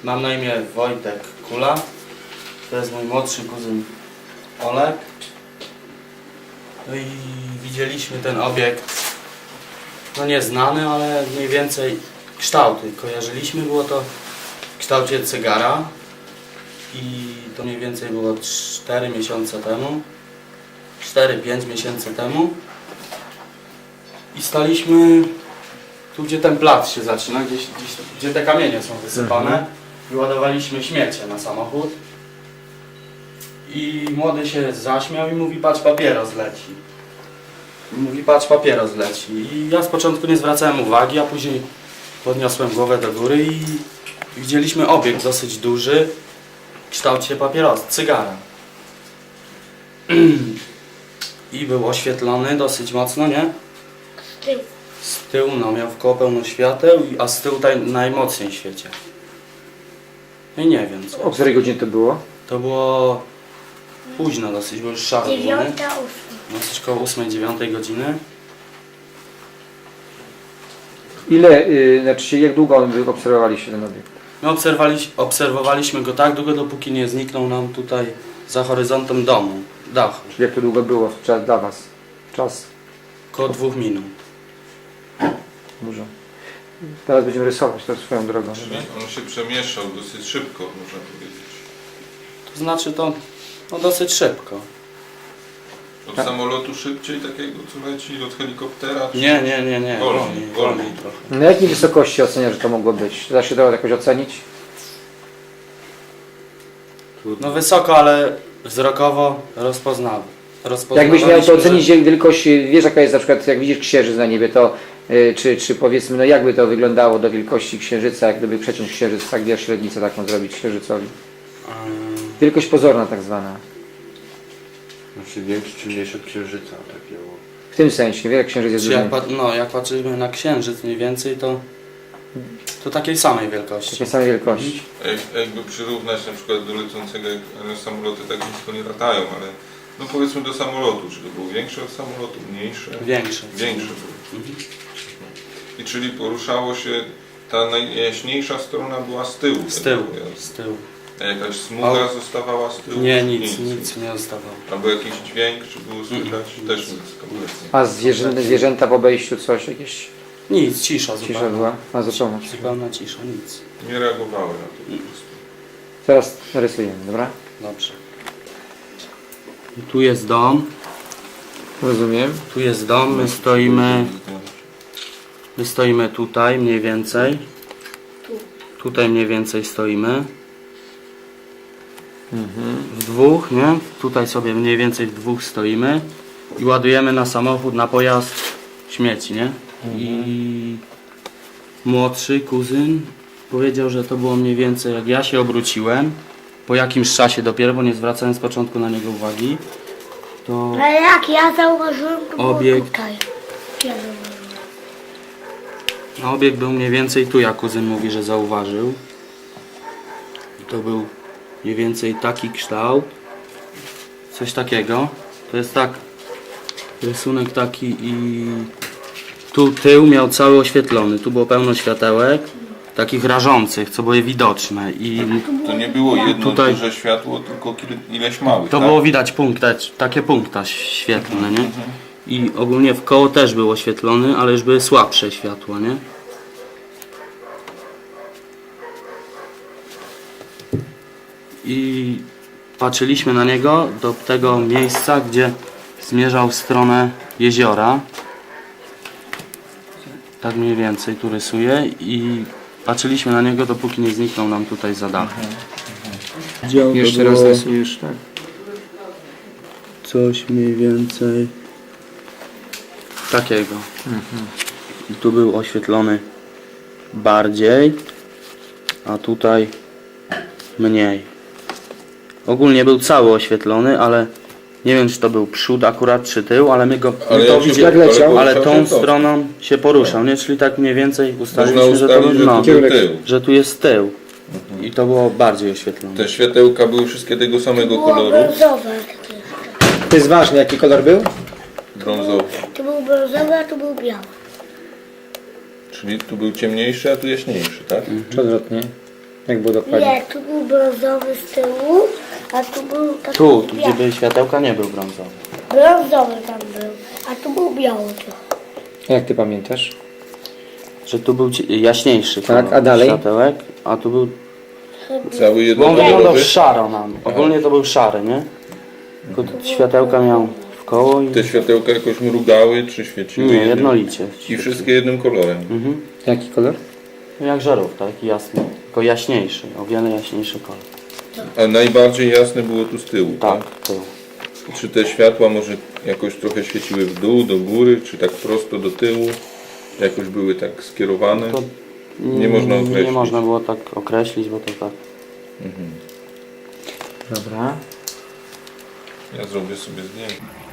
Mam na imię Wojtek Kula. To jest mój młodszy kuzyn Olek. No i widzieliśmy ten obiekt, no nieznany, ale mniej więcej kształty kojarzyliśmy. Było to w kształcie cygara i to mniej więcej było 4 miesiące temu, 4-5 miesięcy temu. I staliśmy tu, gdzie ten plac się zaczyna, gdzie te kamienie są wysypane. I ładowaliśmy śmiecie na samochód. I młody się zaśmiał i mówi: patrz, papieros leci. I mówi: patrz, papieros leci. I ja z początku nie zwracałem uwagi, a później podniosłem głowę do góry i widzieliśmy obiekt dosyć duży w kształcie papierosa, cygara. I był oświetlony dosyć mocno, nie? Z tyłu. Z tyłu, no, miał wkoło pełno świateł, a z tyłu najmocniej świeciał. No i nie wiem co. O której godzinie to było? To było późno dosyć, bo już szaro było, nie? 9:08. No coś koło 8-9 godziny. Ile, znaczy jak długo obserwowaliście ten obiekt? My obserwowaliśmy go tak długo, dopóki nie zniknął nam tutaj za horyzontem domu, dachu. Czyli jak to długo było dla Was? Czas? Koło 2 minut. Dużo. Teraz będziemy rysować to swoją drogą. Czyli on się przemieszczał dosyć szybko, można powiedzieć. To znaczy to no, dosyć szybko. Od Tak. samolotu szybciej takiego, co leci, od helikoptera? Czy... Nie. Wolniej trochę. Na jakiej wysokości ocenia, że to mogło być? Da się to jakoś ocenić? No wysoko, ale wzrokowo rozpoznawy. Jakbyś miał to ocenić wielkość, wiesz jaka jest na przykład, jak widzisz księżyc na niebie, to czy powiedzmy, no jakby to wyglądało do wielkości księżyca, jak gdyby przeciąć księżyc, tak wiesz, średnicę taką zrobić księżycowi. Wielkość pozorna tak zwana. Znaczy większy czy mniejszy od księżyca takiego. W tym sensie, wiele księżyc jest duży. Jak patrzymy na księżyc mniej więcej, to takiej samej wielkości. Takiej samej wielkości. Jakby przyrównać na przykład do lecącego, jak samoloty tak nisko nie latają, ale no powiedzmy do samolotu, czy to było większe od samolotu, mniejsze? Większe. Większe było. I czyli poruszało się, ta najjaśniejsza strona była z tyłu. Z tyłu. A jakaś smuga zostawała z tyłu? Nie, nic nie zostawało. Albo jakiś dźwięk, czy było słychać? Też nic kompletnie. A zwierzęta w obejściu coś, jakieś Nic, cisza zupełnie. cisza była? A zupełna cisza. Zupełna cisza, nic. Nie reagowały na to po prostu. Teraz rysujemy, dobra? Dobrze. I tu jest dom. Rozumiem. Tu jest dom, my stoimy tutaj mniej więcej. Tutaj mniej więcej stoimy. W dwóch, nie? Tutaj sobie mniej więcej w dwóch stoimy i ładujemy na samochód, na pojazd śmieci, nie? I młodszy kuzyn powiedział, że to było mniej więcej jak ja się obróciłem, po jakimś czasie dopiero, bo nie zwracałem z początku na niego uwagi, to Ale jak ja zauważyłem, to było Obiekt. tutaj. Ja zauważyłem. obiekt był mniej więcej tu, jak kuzyn mówi, że zauważył. I to był mniej więcej taki kształt, coś takiego. To jest tak, rysunek taki i tu tył miał cały oświetlony, tu było pełno światełek, takich rażących, co były widoczne i To nie było jedno Tutaj- duże światło, tylko ileś małych, to tak? było widać takie punkta świetlne, nie? I ogólnie w koło też był oświetlony, ale już były słabsze światła, nie? I patrzyliśmy na niego do tego miejsca, gdzie zmierzał w stronę jeziora. Tak mniej więcej tu rysuję i patrzyliśmy na niego, dopóki nie zniknął nam tutaj za dachem. Jeszcze raz rysujesz, tak? Coś mniej więcej takiego. I tu był oświetlony bardziej, a tutaj mniej. Ogólnie był cały oświetlony, ale nie wiem, czy to był przód akurat, czy tył, ale my to widzieliśmy, leciał? ale tą stroną się poruszał, nie? Czyli tak mniej więcej Można ustaliliśmy, że to ustalić, że no, to był tył. że tu jest tył. I to było bardziej oświetlone. Te światełka były wszystkie tego samego Było koloru, brązowe. To jest ważne, jaki kolor był? brązowy. Tu był brązowy, a tu był biały. Czyli tu był ciemniejszy, a tu jaśniejszy, tak? Czy odwrotnie? Jak było dokładnie? Nie, tu był brązowy z tyłu, a tu był taki Tu, gdzie biały. były światełka, nie był brązowy. Brązowy tam był, a tu był biały trochę. Jak ty pamiętasz? Że tu był jaśniejszy Tak, kolor a dalej? światełek, a tu był... Cały Bo on wyglądał jednokolorowy. szaro nam. Ogólnie to był szary, nie? Tylko światełka miał w koło i... Te światełka jakoś mrugały, czy świeciły? Nie, jednym- jednolicie. I wszystkie jednym kolorem. Mhm. Jaki kolor? Jak żarówka, taki jasny. Tylko jaśniejszy, o wiele jaśniejszy kolor. A najbardziej jasne było tu z tyłu, tak? Tak, to. Czy te światła może jakoś trochę świeciły w dół, do góry, czy tak prosto do tyłu? Jakoś były tak skierowane? To Nie można określić. Nie można było tak określić, bo to tak... Dobra. Ja zrobię sobie zdjęcie.